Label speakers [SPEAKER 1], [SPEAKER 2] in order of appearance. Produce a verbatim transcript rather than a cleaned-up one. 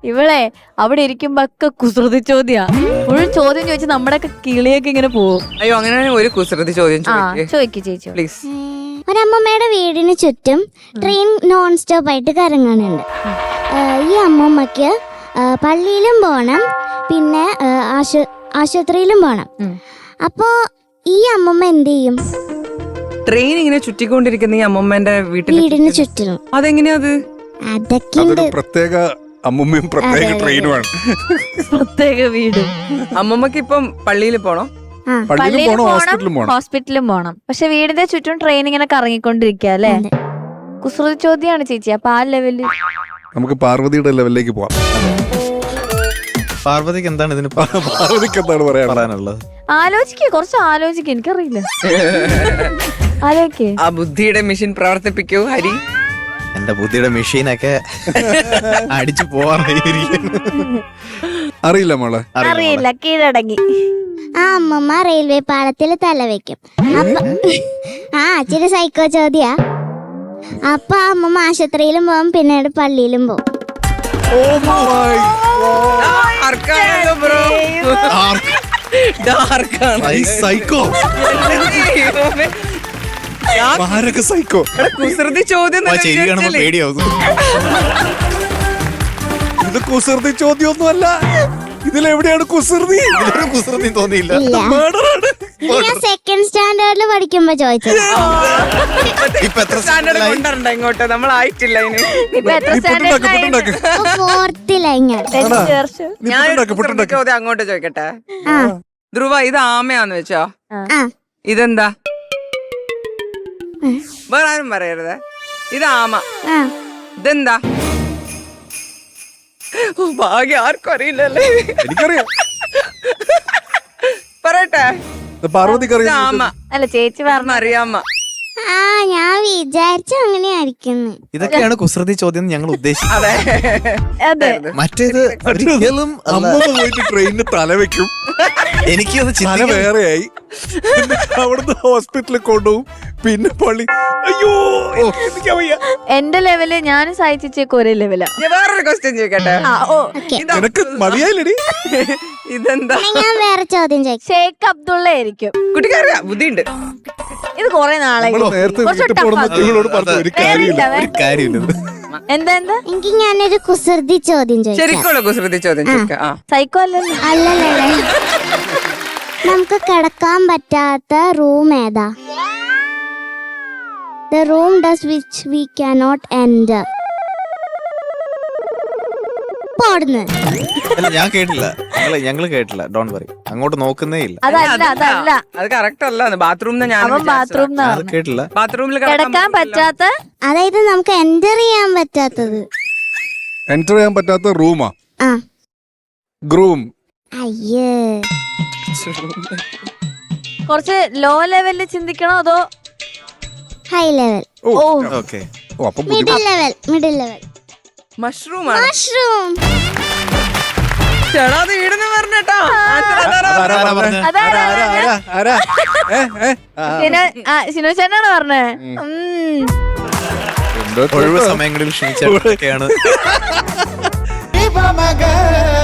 [SPEAKER 1] ഇവളെ അവിടെ ഇരിക്കുമ്പോ ഒക്കെ കുസൃതി ചോദ്യാ. ഒരു ചോദ്യം ചോദിച്ച് നമ്മുടെ ഒക്കെ കിളിയൊക്കെ ഇങ്ങനെ പോവും.
[SPEAKER 2] അയ്യോ അങ്ങനെ ഒരു കുസൃതി ചോദ്യം
[SPEAKER 1] ചോദിക്കൂ ചേച്ചി
[SPEAKER 2] പ്ലീസ്.
[SPEAKER 3] ഒരമ്മമ്മയുടെ വീടിന് ചുറ്റും ട്രെയിൻ നോൺ സ്റ്റോപ്പ് ആയിട്ട് കറങ്ങാനുണ്ട്. ഈ അമ്മമ്മക്ക് പള്ളിയിലും പോണം, പിന്നെ ആശുപത്രിയിലും പോണം. അപ്പോ ഈ അമ്മമ്മ എന്ത് ചെയ്യും?
[SPEAKER 2] ട്രെയിൻ ഇങ്ങനെ ചുറ്റിക്കൊണ്ടിരിക്കുന്ന ഈ അമ്മമ്മന്റെ
[SPEAKER 3] വീടിന് ചുറ്റിലും.
[SPEAKER 2] അതെങ്ങനെയാ അത്?
[SPEAKER 3] അതൊക്കെ
[SPEAKER 4] പ്രത്യേക അമ്മമ്മയും പ്രത്യേക ട്രെയിനുമാണ്.
[SPEAKER 1] പ്രത്യേക വീട്.
[SPEAKER 2] അമ്മമ്മക്ക് ഇപ്പം പള്ളിയിൽ പോണോ?
[SPEAKER 1] പള്ളിയിലും പോണം, ഹോസ്പിറ്റലിലും പോണം. പക്ഷെ വീടിന്റെ ചുറ്റും ട്രെയിൻ ഇങ്ങനെ കറങ്ങിക്കൊണ്ടിരിക്കുക അല്ലേ? കുസൃതി ചോദ്യമാണ് ചേച്ചി. അപ്പൊ ആ ലെവല്
[SPEAKER 4] നമുക്ക് പാർവതിയുടെ ലെവലിലേക്ക് പോവാം.
[SPEAKER 5] പാർവതിക്ക് എന്താണ് ഇതിന്
[SPEAKER 4] പാർവതിക്ക് എന്താണ് പറയാനുള്ളത്?
[SPEAKER 1] ആലോചിക്ക, കുറച്ച് ആലോചിക്ക. എനിക്കറിയില്ല. ആലോചിക്കേ.
[SPEAKER 2] ആ ബുദ്ധിയുടെ മെഷീൻ പ്രവർത്തിപ്പിക്കൂ ഹരി.
[SPEAKER 5] എന്റെ ബുദ്ധിയുടെ മെഷീനൊക്കെ അടിച്ചു പോവാറിയിരിക്കുന്നു.
[SPEAKER 4] അറിയില്ല മോളെ,
[SPEAKER 1] അറിയില്ല. കീഴടങ്ങി.
[SPEAKER 3] ആ അമ്മമ്മ റെയിൽവേ പാളത്തിൽ തല വെക്കും. അപ്പൊ ആ ഇച്ചിരി സൈക്കോ ചോദ്യാ. അപ്പൊ ആ അമ്മമ്മ ആശുപത്രിയിലും പോകും, പിന്നീട് പള്ളിയിലും പോകും.
[SPEAKER 4] സൈക്കോ സൈക്കോ
[SPEAKER 2] കുസൃതി ചോദ്യം
[SPEAKER 5] പേടിയാവും.
[SPEAKER 4] ഇത് കുസൃതി ചോദ്യമൊന്നും അല്ല. ഇതിലെവിടെയാണ് കുസൃതി?
[SPEAKER 5] കുസൃതി തോന്നിയില്ല.
[SPEAKER 3] ഞാൻ സെക്കൻഡ് സ്റ്റാൻഡേർഡിൽ പഠിക്കുമ്പോ ചോദിച്ചത്.
[SPEAKER 2] സ്റ്റാൻഡേർഡ് കൊണ്ടുവരണ്ട ഇങ്ങോട്ട്, നമ്മളായിട്ടില്ല ഇനി.
[SPEAKER 3] ഫോർത്തിലാ
[SPEAKER 2] ഞാൻ ചോദ്യം അങ്ങോട്ട് ചോദിക്കട്ടെ. ധ്രുവ, ഇത് ആമയാന്ന് വെച്ചോ, ഇതെന്താ? വേറെ ആരും പറയരുത്. ഇത് ആമ, ഇതെന്താ? ഭാഗ്യം, ആർക്കും അറിയില്ലല്ലേ?
[SPEAKER 4] എനിക്കറിയാം.
[SPEAKER 2] പറയട്ടെ.
[SPEAKER 4] പാർവതിക്ക് അറിയാം.
[SPEAKER 2] ആമ
[SPEAKER 1] അല്ല ചേച്ചി പറഞ്ഞ
[SPEAKER 2] അറിയാമ.
[SPEAKER 3] ആ ഞാൻ വിചാരിച്ചു അങ്ങനെയായിരിക്കുന്നു.
[SPEAKER 5] ഇതൊക്കെയാണ് കുസൃതി ചോദ്യം ഞങ്ങൾ ഉദ്ദേശിച്ചത്.
[SPEAKER 1] അതെ.
[SPEAKER 5] മറ്റേത് ഒരിക്കലും
[SPEAKER 4] അമ്മ പോയിട്ട് ട്രെയിനിന് തല വെക്കും.
[SPEAKER 5] എനിക്കത്
[SPEAKER 4] തല വേറെയായി. അവിടുന്ന് ഹോസ്പിറ്റലിൽ കൊണ്ടുപോകും, പിന്നെ പള്ളി. അയ്യോ
[SPEAKER 1] എന്റെ ലെവല് ഞാനും സാധിച്ചേക്ക് ഒരേ ലെവലാ.
[SPEAKER 2] വേറൊരു ക്വസ്റ്റ്യൻ ചോദിക്കട്ടെ.
[SPEAKER 4] നിനക്ക് മതിയായില്ലടി.
[SPEAKER 2] ഇതെന്താ?
[SPEAKER 3] ഞാൻ വേറെ ചോദ്യം ചോദിക്കാം.
[SPEAKER 1] ഷേഖ് അബ്ദുള്ള ആയിരിക്കും.
[SPEAKER 2] കുട്ടിക്കറിയാം, ബുദ്ധിയുണ്ട്.
[SPEAKER 1] ഇത് കൊറേ നാളായി.
[SPEAKER 4] നേരത്തെ ഇവളോട് പറഞ്ഞു ഒരു കാര്യമില്ല.
[SPEAKER 1] എന്താ എന്താ
[SPEAKER 3] എനിക്ക് ഞാനൊരു കുസൃതി ചോദ്യം ചോദിക്കാം.
[SPEAKER 2] ശരിക്കുള്ള കുസൃതി ചോദ്യം ചോദിക്കാം.
[SPEAKER 1] സൈക്കോ അല്ലല്ലോ.
[SPEAKER 3] അല്ലല്ലേ, നമുക്ക് കിടക്കാൻ പറ്റാത്ത റൂം ഏതാ? The room does which we cannot enter. പോടുന്നു.
[SPEAKER 5] അല്ല ഞാൻ കേട്ടില്ല, ഞങ്ങള് ഞങ്ങള് കേട്ടില്ല. ഡോണ്ട് വറി, അങ്ങോട്ട് നോക്കുന്നേ ഇല്ല.
[SPEAKER 1] അതല്ല അതല്ല
[SPEAKER 2] അത് കറക്റ്റ് അല്ല. ബാത്റൂം
[SPEAKER 1] അവൻ ബാത്റൂം
[SPEAKER 5] കേട്ടില്ല.
[SPEAKER 2] ബാത്റൂമിൽ
[SPEAKER 1] കിടക്കാൻ പറ്റാത്ത,
[SPEAKER 3] അതായത് നമുക്ക് എൻ്റർ ചെയ്യാൻ പറ്റാത്തത്.
[SPEAKER 4] എൻ്റർ ചെയ്യാൻ പറ്റാത്ത റൂമാ?
[SPEAKER 3] ആ
[SPEAKER 4] ഗ്രൂം.
[SPEAKER 3] അയ്യേ,
[SPEAKER 1] കുറച്ച് ലോ ലെവലിൽ ചിന്തിക്കണോ അതോ
[SPEAKER 3] high level?
[SPEAKER 1] Oh
[SPEAKER 5] okay,
[SPEAKER 3] middle level. Middle level.
[SPEAKER 2] Mushroom
[SPEAKER 3] mushroom.
[SPEAKER 2] ചേട്ടാ ഈടെന്ന് പറഞ്ഞേട്ടാ.
[SPEAKER 1] ശിനു ചേട്ടനാണ് പറഞ്ഞേ.
[SPEAKER 5] ഒഴിവ് സമയങ്ങളിൽ ക്ഷണിച്ചാണ്